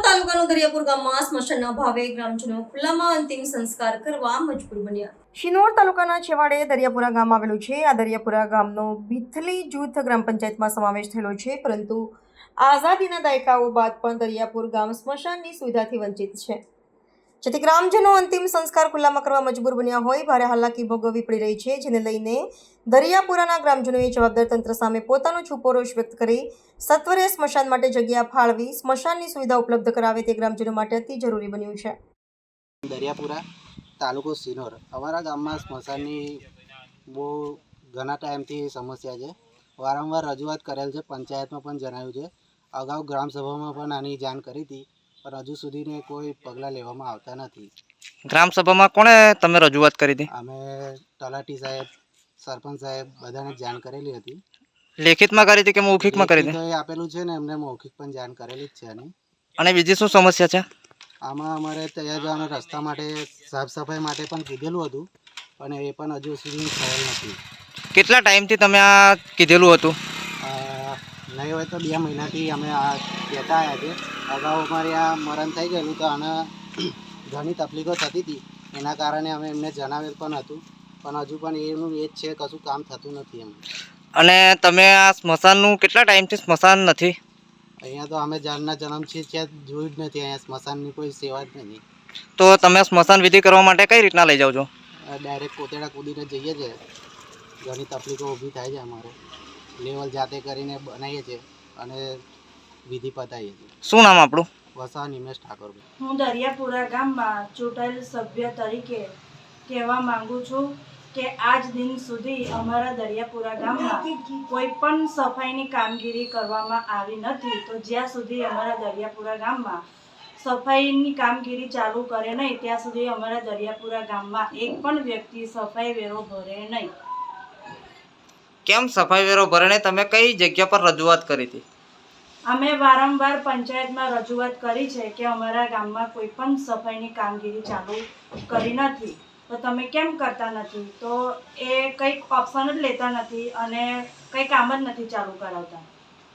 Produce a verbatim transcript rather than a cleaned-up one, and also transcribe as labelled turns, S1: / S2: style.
S1: તાલુકાના દરિયાપુર ગામમાં સ્મશાનના અભાવે ગ્રામજનો ખુલ્લામાં અંતિમ સંસ્કાર કરવા મજબૂર બન્યા। શિનોર તાલુકાના છેવાડે દરિયાપુરા ગામ આવેલું છે। આ દરિયાપુરા ગામનો ભીથલી જૂથ ગ્રામ પંચાયતમાં સમાવેશ થયેલો છે, પરંતુ આઝાદીના દાયકાઓ બાદ પણ દરિયાપુર ગામ સ્મશાનની સુવિધાથી વંચિત છે, જેથી ગ્રામજનો અંતિમ સંસ્કાર ખુલ્લામાં કરવા મજબૂર બન્યા હોય ભારે હાલાકી ભોગવવી પડી રહી છે, જેને લઈને દરિયાપુરાના ગ્રામજનોએ જવાબદાર તંત્ર સામે પોતાનો છૂપો રોષ વ્યક્ત કરી સત્વરે સ્મશાન માટે જગ્યા ફાળવી સ્મશાનની સુવિધા ઉપલબ્ધ કરાવે તે ગ્રામજનો માટે અતિ જરૂરી બન્યું છે।
S2: દરિયાપુરા તાલુકો સિનોર અમારા ગામમાં સ્મશાનની બહુ ઘણા ટાઈમથી સમસ્યા છે। વારંવાર રજૂઆત કરેલ છે, પંચાયતમાં પણ જણાવ્યું છે, અગાઉ ગ્રામસભામાં પણ આની જાણ કરી હતી, પણ હજુ સુધીને કોઈ પગલાં લેવામાં આવતા નથી।
S3: ગ્રામસભામાં કોણે તમે રજૂઆત કરી હતી?
S2: અમે તલાટી સાહેબ, સરપંચ સાહેબ બધાને જાણ કરેલી હતી।
S3: લેખિતમાં કરી હતી કે મૌખિકમાં કરી હતી?
S2: લેખિત આપેલું છે ને, એમને મૌખિક પણ જાણ કરેલી જ છે। આની
S3: અને બીજી શું સમસ્યા છે
S2: આમાં? અમારે ત્યાં જવાના રસ્તા માટે, સાફ સફાઈ માટે પણ કીધેલું હતું, પણ એ પણ હજુ સુધી થયેલ નથી।
S3: કેટલા ટાઈમથી તમે આ કીધેલું હતું?
S2: નહીં હોય તો બે મહિનાથી અમે આ કહેતા આવ્યા છે। અગાઉ અમારે આ મરણ થઈ ગયેલું તો આને ઘણી તકલીફો થતી હતી, એના કારણે અમે એમને જણાવેલ પણ હતું, પણ હજુ પણ એનું એ જ છે, કશું કામ થતું નથી એમ।
S3: અને તમે આ સ્મશાનનું કેટલા ટાઈમથી સ્મશાન નથી?
S2: અહીંયા તો અમે જાનના જન્મથી છે જોયું જ નથી, અહીંયા સ્મશાનની કોઈ સેવા જ નથી।
S3: તો તમે સ્મશાન વિધિ કરવા માટે કઈ રીતના લઈ જાઓ છો?
S2: ડાયરેક્ટ કોતેડા કૂદીને જઈએ છીએ, ઘણી તકલીફો ઊભી થાય છે અમારે, લેવલ જાતે કરીને બનાવીએ છીએ અને વિધિ પતાવીએ છીએ।
S3: શું નામ આપણું?
S2: વસા નિમેશ ઠાકોર।
S4: હું દરિયાપુરા ગામમાં ચૂંટાયેલ સભ્ય તરીકે કહેવા માંગુ છું કે આજ દિન સુધી અમારા દરિયાપુરા ગામમાં કોઈ પણ સફાઈની કામગીરી કરવામાં આવી નથી, તો જ્યાં સુધી અમારા દરિયાપુરા ગામમાં સફાઈની કામગીરી ચાલુ કરે નહીં ત્યાં સુધી અમારા દરિયાપુરા ગામમાં એક પણ વ્યક્તિ સફાઈ વેરો ભરે નહીં।
S3: કેમ સફાઈ વેરો ભરે નહીં? તમે કઈ જગ્યા પર રજૂઆત કરી હતી?
S4: અમે વારંવાર પંચાયતમાં રજૂઆત કરી છે કે અમારા ગામમાં કોઈ પણ સફાઈની કામગીરી ચાલુ કરી નથી, તો તમે કેમ કરતા નથી? તો એ કંઈક ઓપ્શન જ લેતા નથી અને કંઈ કામ જ નથી ચાલુ કરાવતા।